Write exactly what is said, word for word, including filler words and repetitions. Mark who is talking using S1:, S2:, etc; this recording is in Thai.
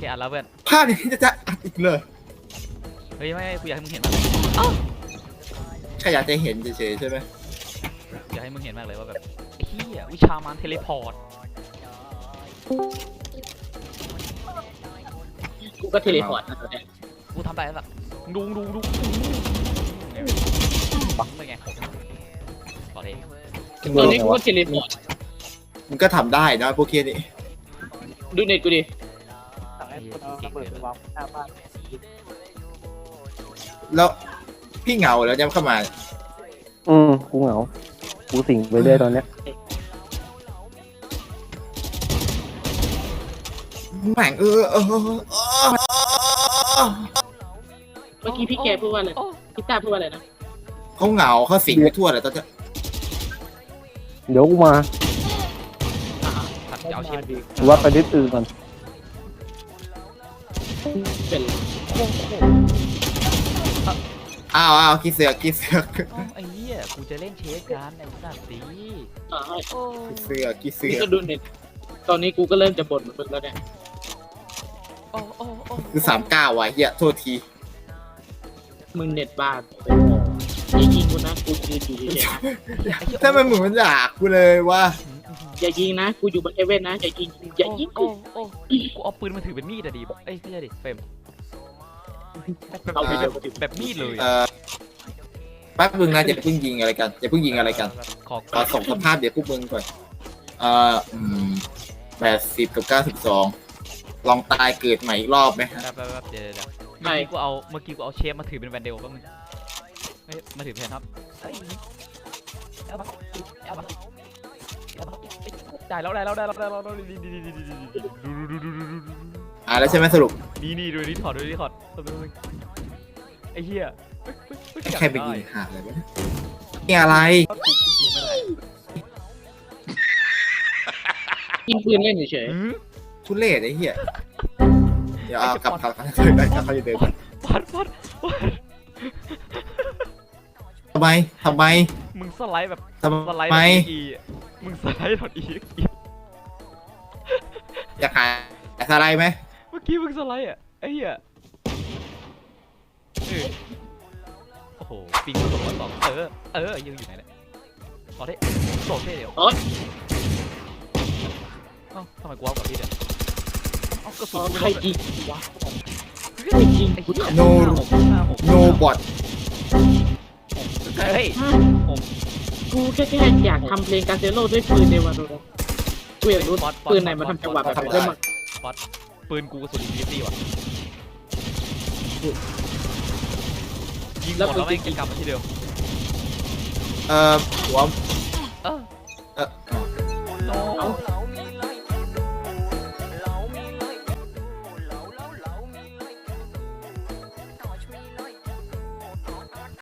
S1: อัดแล้วเพื่อน
S2: ภาพนี้จะจะอัดอีกเลย
S1: เฮ้ยไม่กูอยากให้มึงเห็น
S2: แค่อยากจะเห็นเฉยๆใช่ไหม
S1: อยากให้มึงเห็นมากเลยว่าแบบไอ้เหี้ยวิชามารเทเลพอร์ต
S3: กูก็เทเลพอร์ต
S1: กูทำได้แบบดูดูดูเป็นไงต่อเลย
S3: ตอนนี้กูก็เทเลพอร์ต
S2: มึงก็ทำได้นะพวกเคียนี่
S3: ดูเน็ตกูดิ
S2: แล้วพี่เหงาแล้วยังเข้ามา
S4: อืมกูเหงากูสิงไปเรื่อยตอนเนี้ย
S2: แม่งเออเออ
S3: เมื่อกี้พี่แกพูดว่าอะไรพี่ตาพูดว่าอะไรนะ
S2: เขาเหงาเขาสิงไปทั่วเลยตอนนี้
S4: เดี๋ยวกูมา
S1: เอาเชฟดี
S4: ว่าไปนิดอื่นก่อน
S3: เป็น
S2: อ้าวอ้าวคิดเสือกคิดเสือก
S1: ไอ้เหี้ยกูจะเล่นเชฟกันไอ้สัตว์ดี
S2: คิดเสือกคิดเสือก
S3: ก็ดูเน็ตตอนนี้กูก็เริ่มจะบ่นเหมือนมึงแล้วเนี่ย
S2: คือสามเก้าว่ะเฮียโทษที
S3: มึงเน็ตบ้านอย่ายิงกูนะกูยืนอยู่เฉย
S2: ๆถ้ามันเหมือนมันอยากกูเลยว่า
S3: อย่ายิงนะกูอยู่บนเอเว่นนะอย่ายิงอย่ายิงกู
S1: กูเอาปืนมาถือเป็นมีดอะดิเอ้ยไม่ใช่ดิเฟรม
S3: เอาไปเดี๋ยว
S1: แบบมีดเลย
S2: เออแป๊บนึงนะจะเพิ่งยิงอะไรกันจะเพิ่งยิงอะไรกันขอส่งสภาพเดี๋ยวพวกมึงก่อนเอ่อแปดสิบกับเก้าสิบสองลองตายเกิดใหม่อีกรอบไหม
S1: แป๊บแป๊บเดี๋ยวเดี๋ยวเมื่อกี้กูเอาเมื่อกี้กูเอาเชฟมาถือเป็นแวนเดลแป๊บนึงไม่มาถือแทนครับได้แล้วได้แล้วได้แล้วได้แล้ว
S2: อ่าแล้วใช่ไหมสรุป
S1: นี่นี่ดูนี่ถอดดูนี่ถอดไอ้เหี้ย
S2: ใครไปยิงหาอะไรวะนี่อะไร
S3: ยิงปืนเล่นเฉย
S2: ทุเรศไอ้เหี้ยเดี๋ยวเอากลับกลับกลับได้เขาจะเดิน
S1: ปัดปัด
S2: ทำไมทำไม
S1: มึงสไลด์แบบ
S2: สไลด์อี
S1: มึงสไลด์ถอดอี
S2: อยากหาสไลด์ไหม
S1: เมื่อกี้มึงสไลด์อ่ะไอ้เหี้ยโอ้โหปิงสองสองเออเออยังอยู่ไหนเนี่ยขอได้โดดเท่เดียวเอ้าทำไมกูเอากับพี่เนี่ยเอากระสุน
S3: ใครยิงวะใครยิง
S2: no no bot
S1: เฮ้ย
S3: กูแค่แค่อยากทำเพลงกาเซโร่ด้วยปืนในวันนั้นกูอยากรู้ปืนไหนมาทำจังหวะแบบนี้ได้มั้ง
S1: ป๊อตปืนกูกระสุนอินฟินิตี้ว่ะยิงหมดแล้วไม่กลับมาที่เดิม
S2: เอ่อหัว